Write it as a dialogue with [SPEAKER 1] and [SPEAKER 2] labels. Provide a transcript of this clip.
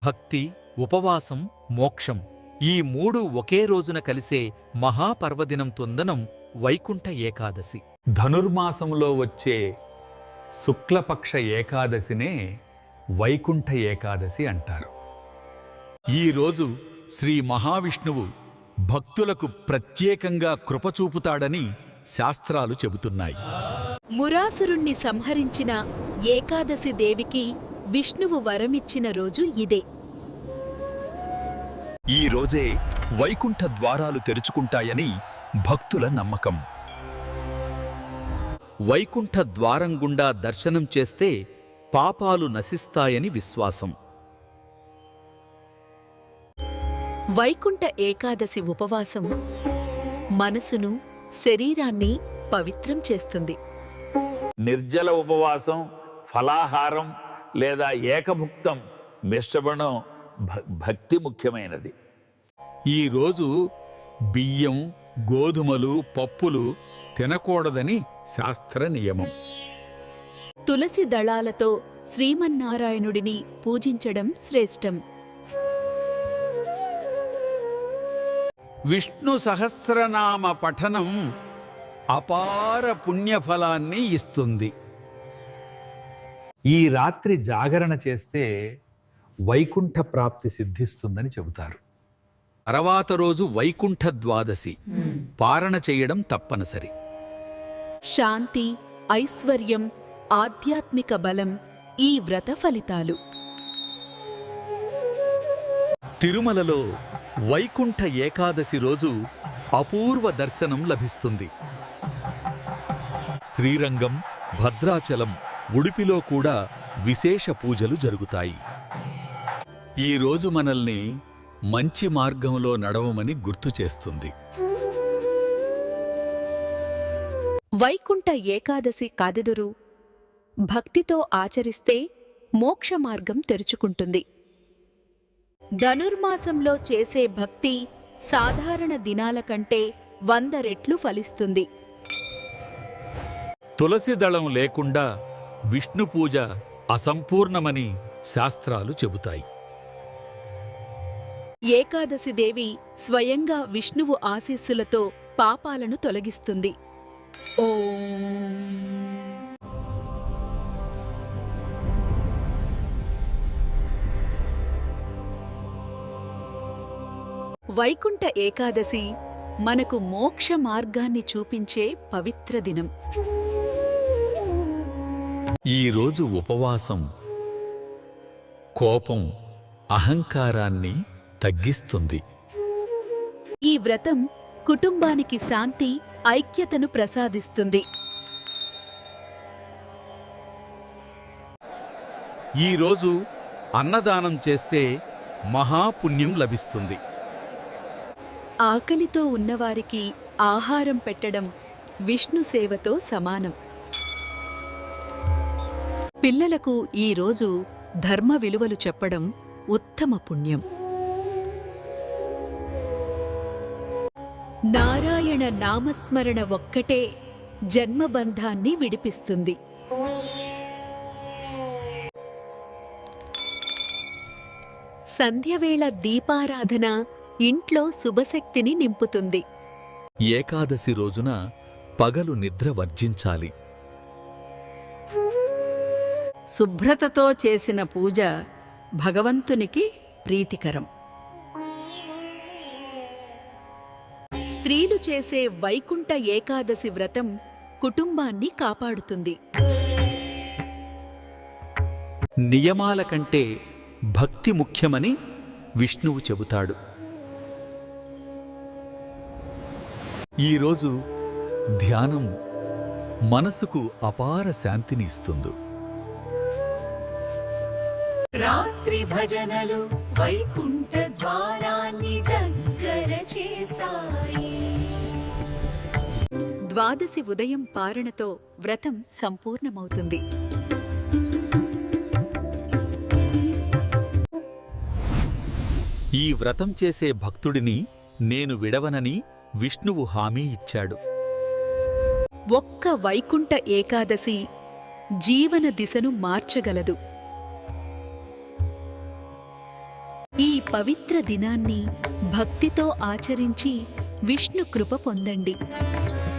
[SPEAKER 1] భక్తి, ఉపవాసం, మోక్షం ఈ మూడు ఒకే రోజున కలిసే మహాపర్వదినం తొందనం వైకుంఠ ఏకాదశి.
[SPEAKER 2] ధనుర్మాసంలో వచ్చే శుక్లపక్ష ఏకాదశినే వైకుంఠ ఏకాదశి అంటారు.
[SPEAKER 1] ఈరోజు శ్రీ మహావిష్ణువు భక్తులకు ప్రత్యేకంగా కృపచూపుతాడని శాస్త్రాలు చెబుతున్నాయి.
[SPEAKER 3] మురాసురుణ్ణి సంహరించిన ఏకాదశి దేవికి విష్ణువు వరమిచ్చిన రోజు ఇదే.
[SPEAKER 1] ఈ రోజే వైకుంఠ ద్వారాలు తెరుచుకుంటాయని భక్తుల నమ్మకం. వైకుంఠ ద్వారం గుండా దర్శనం చేస్తే పాపాలు నశిస్తాయని విశ్వాసం.
[SPEAKER 3] వైకుంఠ ఏకాదశి ఉపవాసం మనసును, శరీరాన్ని పవిత్రం చేస్తుంది.
[SPEAKER 4] నిర్జల ఉపవాసం, ఫలాహారం లేదా ఏకభుక్తం మిశ్రమణం భక్తి ముఖ్యమైనది.
[SPEAKER 2] ఈరోజు బియ్యం, గోధుమలు, పప్పులు తినకూడదని శాస్త్ర నియమం.
[SPEAKER 3] తులసి దళాలతో శ్రీమన్నారాయణుడిని పూజించడం శ్రేష్టం.
[SPEAKER 1] విష్ణు సహస్రనామ పఠనం అపార పుణ్యఫలాన్ని ఇస్తుంది.
[SPEAKER 2] ఈ రాత్రి జాగరణ చేస్తే వైకుంఠ ప్రాప్తి సిద్ధిస్తుందని చెబుతారు.
[SPEAKER 1] తర్వాత రోజు వైకుంఠ ద్వాదశి పారణ చేయడం తప్పనిసరి.
[SPEAKER 3] శాంతి, ఐశ్వర్యం, ఆధ్యాత్మిక బలం ఈ వ్రత ఫలితాలు.
[SPEAKER 1] తిరుమలలో వైకుంఠ ఏకాదశి రోజు అపూర్వ దర్శనం లభిస్తుంది. శ్రీరంగం, భద్రాచలం, ఉడిపిలో కూడా విశేష పూజలు జరుగుతాయి. ఈరోజు మనల్ని మంచి మార్గంలో నడవమని గుర్తు చేస్తుంది.
[SPEAKER 3] వైకుంఠ ఏకాదశి కాదెదురు భక్తితో ఆచరిస్తే మోక్ష మార్గం తెరుచుకుంటుంది. ధనుర్మాసంలో చేసే భక్తి సాధారణ దినాల కంటే 100 రెట్లు ఫలిస్తుంది.
[SPEAKER 1] తులసి దళం లేకుండా విష్ణు పూజ అసంపూర్ణమని శాస్త్రాలు చెబుతాయి.
[SPEAKER 3] ఏకాదశి దేవి స్వయంగా విష్ణువు ఆశీస్సులతో పాపాలను తొలగిస్తుంది. ఓం. వైకుంఠ ఏకాదశి మనకు మోక్ష మార్గాన్ని చూపించే పవిత్ర దినం.
[SPEAKER 1] ఈరోజు ఉపవాసం కోపం, అహంకారాన్ని తగ్గిస్తుంది.
[SPEAKER 3] ఈ వ్రతం కుటుంబానికి శాంతి, ఐక్యతను ప్రసాదిస్తుంది.
[SPEAKER 1] ఈరోజు అన్నదానం చేస్తే మహాపుణ్యం లభిస్తుంది.
[SPEAKER 3] ఆకలితో ఉన్నవారికి ఆహారం పెట్టడం విష్ణు సేవతో సమానం. పిల్లలకు ఈరోజు ధర్మ విలువలు చెప్పడం ఉత్తమ పుణ్యం. నారాయణ నామస్మరణ ఒక్కటే జన్మబంధాన్ని విడిపిస్తుంది. సంధ్యవేళ దీపారాధన ఇంట్లో శుభశక్తిని నింపుతుంది.
[SPEAKER 1] ఏకాదశి రోజున పగలు నిద్ర వర్జించాలి.
[SPEAKER 5] శుభ్రతతో చేసిన పూజ భగవంతునికి ప్రీతికరం.
[SPEAKER 3] స్త్రీలు చేసే వైకుంఠ ఏకాదశి వ్రతం కుటుంబాన్ని కాపాడుతుంది.
[SPEAKER 1] నియమాల కంటే భక్తి ముఖ్యమని విష్ణువు చెబుతాడు. ఈరోజు ధ్యానం మనసుకు అపార శాంతిని ఇస్తుంది.
[SPEAKER 6] రాత్రి భజనలు వైకుంఠ ద్వారాన్ని దగ్గర చేస్తాయి.
[SPEAKER 3] ద్వాదశి ఉదయం పారణతో వ్రతం సంపూర్ణమవుతుంది.
[SPEAKER 1] ఈ వ్రతం చేసే భక్తుడిని నేను విడవనని విష్ణువు హామీ ఇచ్చాడు.
[SPEAKER 3] ఒక్క వైకుంఠ ఏకాదశి జీవన దిశను మార్చగలదు. ఈ పవిత్ర దినాన్ని భక్తితో ఆచరించి విష్ణు కృప పొందండి.